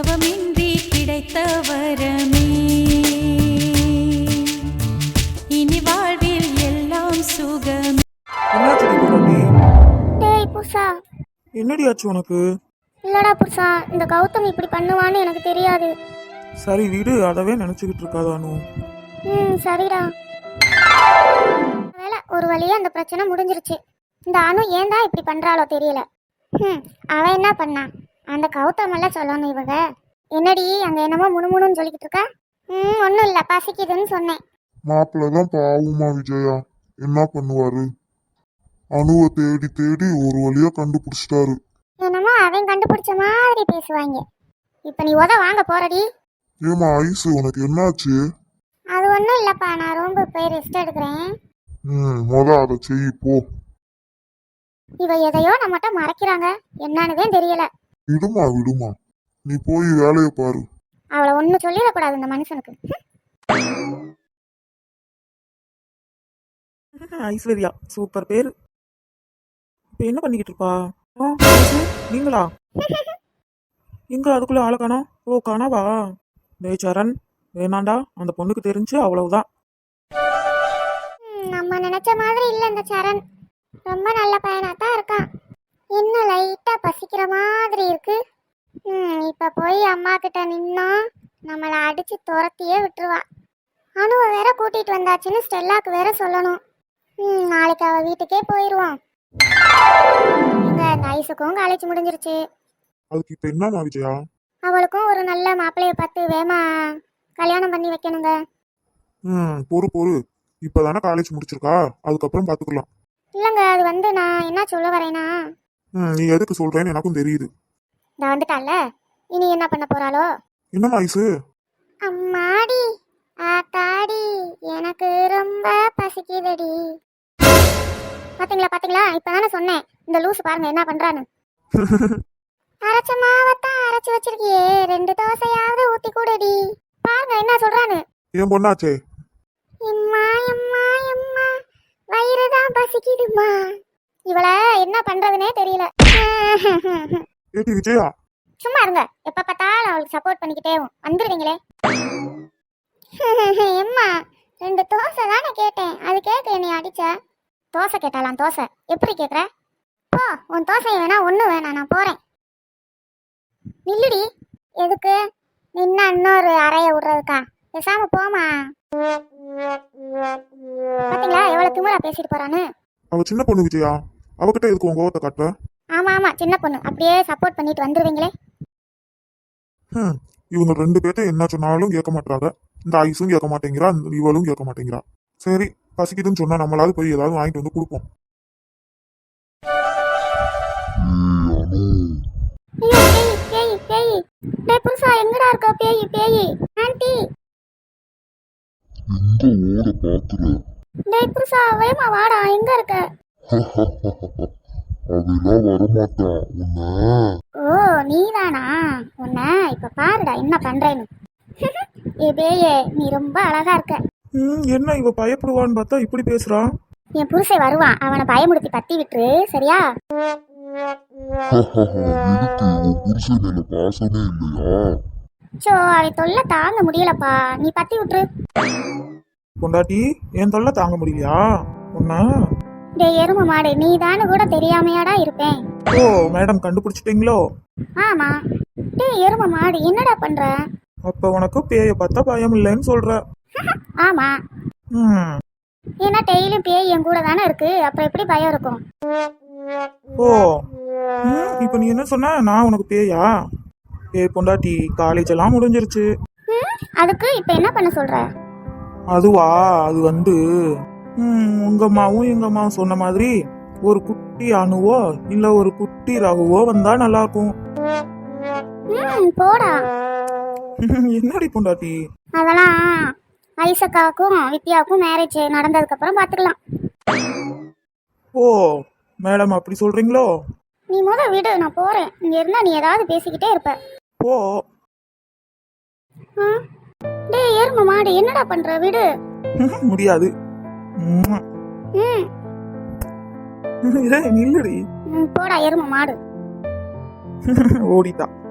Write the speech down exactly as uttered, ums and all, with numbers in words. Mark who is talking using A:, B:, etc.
A: தவமின்றி கிடைத்த வரமே இனி வாழ்வில் எல்லாம் சுகம்.
B: என்னாச்சு தீபகாண்டி?
C: டேய் புருஷா.
B: என்னடி ஆச்சு உனக்கு?
C: இல்லடா புருஷா, இந்த கௌதம் இப்படி பண்ணுவான்னு எனக்கு தெரியாது.
B: சரி விடு, அதவே நினைச்சுக்கிட்டு இருக்காதானு.
C: ம் சரிடா. வேலை ஒரு வழியா அந்த பிரச்சனை முடிஞ்சிருச்சு. இந்த அனு ஏன்டா இப்படி பண்றாளோ தெரியல. ம் அவன் என்ன பண்ணான்? அந்த கௌதம் எல்லாம் சொல்லணும் இவங்க. என்னடி அங்க என்னமோ முணுமுணுன்னு சொல்லிக்கிட்டு இருக்கா? ம் ஒன்றும் இல்லை, பசிக்குதுன்னு சொன்னேன்.
D: மாப்பிள்ளதான் பாவுமா விஜயா, என்ன பண்ணுவாரு? அணுவை தேடி தேடி ஒரு வழியா கண்டுபிடிச்சிட்டாரு.
C: என்னமோ அவன் கண்டுபிடிச்ச மாதிரி பேசுவாங்க. இப்ப நீ உத வாங்க போறடி.
D: ஏமா ஐசு, உனக்கு என்னாச்சு?
C: அது ஒன்றும் இல்லப்பா, நான் ரொம்ப போய் ரெஸ்ட் எடுக்கிறேன்.
D: ம் முத அதை செய் போ.
C: இவ எதையோ நம்மகிட்ட மறைக்கிறாங்க, என்னன்னுதே தெரியல.
D: விடுமா விடுமா, நீ போய் வேலையை பாரு.
C: அவளை ஒன்றும் சொல்லிடக்கூடாது இந்த மனுஷனுக்கு.
B: ஐஸ்வர்யா சூப்பர் பேரு. இப்போ என்ன பண்ணிக்கிட்டு இருப்பா? ஆ, நீங்களா எங்க அதுக்குள்ள ஆளை காணோம்? ஓ காணாவா? டேய் சரண், வேணாண்டா, அந்த பொண்ணுக்கு தெரிஞ்சு அவ்வளவுதான்.
C: நம்ம நினைச்ச மாதிரி இல்ல இந்த சரண். ரொம்ப நல்ல பையனா தான் இருக்கான். என்ன லைட்டா பசிக்கிற மாதிரி இருக்கு. ம் இப்ப போய் அம்மா கிட்ட நின்னா நம்மளை அடிச்சு துரத்தியே விட்டுருவா. அணுவை வேற கூட்டிட்டு வந்தாச்சுன்னு ஸ்டெல்லாக்கு வேற சொல்லணும். ம் நாளைக்கு அவ வீட்டுக்கே போயிடுவோம். இந்த ஐஸுக்கும் காலேஜ் முடிஞ்சிருச்சு.
D: அதுக்கு இப்ப என்னமா விஜயா?
C: அவளுக்கும் ஒரு நல்ல மாப்பிள்ளைய பார்த்து வேமா கல்யாணம் பண்ணி வைக்கணுங்க.
D: ம் பொறு பொறு, இப்பதானே காலேஜ் முடிச்சிருக்கா, அதுக்கப்புறம் பாத்துக்கலாம்.
C: இல்லைங்க, அது வந்து நான் என்ன சொல்ல வரேன்னா.
D: ம் நீ எதுக்கு சொல்றேன்னு எனக்கும் தெரியுது.
C: நான் வந்துட்டால, இனி என்ன பண்ண போறாளோ?
D: என்னம்மா ஐசு?
C: அம்மாடி ஆத்தாடி, எனக்கு ரொம்ப பசிக்குதடி. பாத்தீங்களா பாத்தீங்களா, இப்பதானே சொன்னேன் இந்த லூசு பாருங்க என்ன பண்றான்னு. அரைச்ச மாவத்தான் அரைச்சு வச்சிருக்கியே, ரெண்டு தோசையாவது ஊத்தி கூடடி. பாருங்க என்ன சொல்றான்னு.
D: ஏன் பொண்ணாச்சே?
C: எம்மா எம்மா எம்மா, வயிறுதான் பசிக்குதுமா. இவள என்ன பண்றதுனே தெரியல.
D: ஏடி விஜயா,
C: சும்மா இருங்க, எப்ப பார்த்தாலும் அவளுக்கு சப்போர்ட் பண்ணிக்கிட்டே வந்துருவீங்களே. எம்மா ரெண்டு தோசை தானே கேட்டேன், அது கேட்க என்னை அடிச்ச. தோசை கேட்டாலாம் தோசை எப்படி கேட்குற? போ, உன் தோசை வேணா ஒன்றும் வேணாம், நான் போறேன். நில்லுடி. எதுக்கு நின்னா இன்னொரு அறைய விடுறதுக்கா? பேசாம போமா. பாத்தீங்களா எவ்வளவு திமிரா பேசிட்டு போறான்னு.
D: அவ சின்ன பொண்ணு விஜயா, அவகிட்ட எதுக்கு உன் கோவத்தை காட்டுற?
C: ஆமா ஆமா சின்ன பொண்ணு, அப்படியே சப்போர்ட் பண்ணிட்டு வந்துருவீங்களே.
D: ம் இவங்க ரெண்டு பேர்த்த என்ன சொன்னாலும் கேட்க மாட்டாங்க. இந்த ஐஸும் கேட்க மாட்டேங்கிறா, இவளும் கேட்க மாட்டேங்கிறா. சரி பசிக்குதுன்னு சொன்னா நம்மளாவது போய் ஏதாவது வாங்கிட்டு வந்து கொடுப்போம்.
C: ஐயோ பேய் பேய் பேய். டேய் புருஷா, எங்கடா இருக்க பேய் பேய்? ஆன்ட்டி
D: எங்க ஓட பாக்குற?
C: டேய் புருஷா, வேமா வாடா, எங்க இருக்க?
D: அதெல்லாம் வரமாட்டான் உன்ன.
C: ஓ நீதானா? உன்ன இப்ப பாருடா என்ன பண்றேன்னு. ஏ பேயே, நீ ரொம்ப அழகா இருக்க.
B: ம் என்ன இவ பயப்படுவான்னு பார்த்தா இப்படி பேசுறா.
C: என் புருஷன் வருவான், அவனை பயமுடுத்தி பத்தி விட்டுரு சரியா?
D: இருக்கு, உன் புருஷன் மேல பாசமே இல்லையா?
C: சோ அவன் தொல்லை தாங்க முடியலப்பா, நீ பத்தி விட்டுரு.
B: பொண்டாட்டி என் தொல்லை தாங்க முடியலையா உன்ன?
C: டேய் எரும மாடு, நீ தானு கூட தெரியாமையாடா இருப்பேன்.
B: ஓ மேடம் கண்டுபிடிச்சிட்டீங்களோ?
C: ஆமா. டேய் எரும மாடு, என்னடா பண்ற?
B: அப்ப உனக்கு பேய பார்த்தா பயம் இல்லைன்னு சொல்ற?
C: ஆமா.
B: ம்
C: ஏன்னா டெய்லியும் பேய் என் கூட தானே இருக்கு, அப்புறம் எப்படி பயம் இருக்கும்?
B: ஓ ம் இப்போ நீ என்ன சொன்ன, நான் உனக்கு பேயா? பேய் பொண்டாட்டி, காலேஜ் எல்லாம் முடிஞ்சிருச்சு.
C: ம் அதுக்கு இப்ப என்ன பண்ண சொல்ற?
B: அதுவா, அது வந்து ம் உங்க அம்மாவும் எங்க அம்மாவும் சொன்ன மாதிரி ஒரு குட்டி அணுவோ இல்ல ஒரு குட்டி ரகுவோ வந்தா நல்லா இருக்கும்.
C: ம் போடா.
B: என்னடி பொண்டாட்டி?
C: அதெல்லாம் ஐசக்காவுக்கும் வித்யாவுக்கும் மேரேஜ் நடந்ததுக்கு அப்புறம் பாத்துக்கலாம்.
B: ஓ மேடம் அப்படி சொல்றீங்களோ?
C: நீ முத விடு, நான் போறேன். இங்க இருந்தா நீ ஏதாவது பேசிக்கிட்டே இருப்ப.
B: ஓ
C: டேய் எரும மாடு, என்னடா பண்ற? விடு.
B: முடியாது. ம்
C: ம்
B: நில்லுடி.
C: போடா எரும மாடு.
B: ஓடிட்டா.